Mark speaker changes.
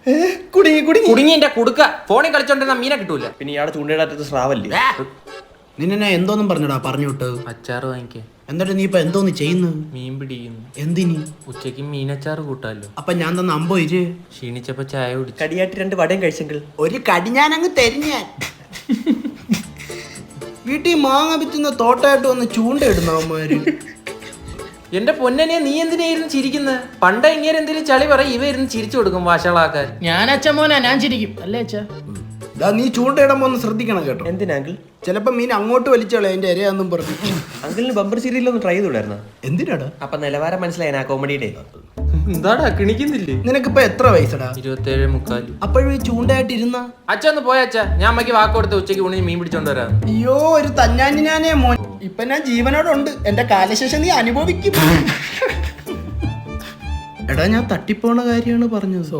Speaker 1: കുടുങ്ങി എന്റെ കുടുക്ക ഫോണിൽ കളിച്ചോണ്ടിരുന്ന മീനെ കിട്ടൂല.
Speaker 2: പിന്നെ ഇയാളെ ചൂണ്ടയിടാത്ത സ്രാവല്ലേ?
Speaker 3: നിന്നെ എന്തോന്നും പറഞ്ഞടാ പറഞ്ഞു വിട്ടത്?
Speaker 1: അച്ചാറ് വാങ്ങിക്കാൻ.
Speaker 3: എന്നിട്ട് നീ ഇപ്പൊ എന്തോന്ന് ചെയ്യുന്നു?
Speaker 1: മീൻ പിടിക്കുന്നു.
Speaker 3: എന്തിനി?
Speaker 1: ഉച്ചക്ക് മീനച്ചാറ് കൂട്ടാലോ.
Speaker 3: അപ്പൊ ഞാൻ തന്ന അമ്പോ ഇര്
Speaker 1: ക്ഷീണിച്ചപ്പോ ചായ കുടിച്ചു.
Speaker 2: കടിയായിട്ട് 2 വടയും കഴിച്ചെങ്കിൽ
Speaker 3: ഒരു കടി ഞാനങ്ങ് തരിഞ്ഞാൻ. വീട്ടിൽ മാങ്ങ വിറ്റുന്ന തോട്ടായിട്ട് വന്ന് ചൂണ്ടയിടുന്ന അവന്മാര്.
Speaker 1: എന്റെ പൊന്നനെ നീ എന്തിനായിരുന്നു ചിരിക്കുന്നത്? പണ്ട ഇങ്ങനെ എന്തെങ്കിലും ചളി പറയും ഇവ ഇരുന്ന് ചിരിച്ചു കൊടുക്കും വാശകളാക്കാൻ.
Speaker 4: ഞാൻ അച്ഛൻ മോനാ, ഞാൻ ചിരിക്കും അല്ലേ അച്ഛാ?
Speaker 3: നീ ചൂണ്ടയിടുമ്പോ ഒന്ന് ശ്രദ്ധിക്കണം കേട്ടോ.
Speaker 2: എന്തിനാ അങ്കിൾ?
Speaker 3: ചിലപ്പോ മീൻ അങ്ങോട്ട് വലിച്ചോളെ അതിന്റെ ഇരയാന്നും പറഞ്ഞു.
Speaker 2: അങ്കിളിന് ബമ്പർ സീരിയലൊന്ന് ട്രൈ ചെയ്തുകൂടായിരുന്നോ?
Speaker 3: എന്തിനാടാ?
Speaker 2: അപ്പൊ നിലവാരം മനസ്സിലായി ആ കോമഡിയുടെ.
Speaker 1: എന്താടാ കിണിക്കുന്നില്ലേ?
Speaker 3: നിനക്കിപ്പോ എത്ര വയസ്സടാ?
Speaker 1: 27.25.
Speaker 3: അപ്പോഴും ഈ ചൂണ്ടയായിട്ട് ഇരുന്ന
Speaker 1: അച്ഛ ഒന്ന് പോയ അച്ഛാ, ഞാൻ അമ്മയ്ക്ക് വാക്ക് കൊടുത്ത് ഉച്ചയ്ക്ക് ഊണിന് മീൻ പിടിച്ചോണ്ട് വരാം.
Speaker 3: അയ്യോ ഒരു തഞ്ഞാഞ്ഞാനേ മോൻ. ഇപ്പൊ ഞാൻ ജീവനോടുണ്ട്. എന്റെ കാലശേഷം നീ അനുഭവിക്കും. എടാ ഞാൻ തട്ടിപ്പോണ കാര്യമാണ് പറഞ്ഞത്.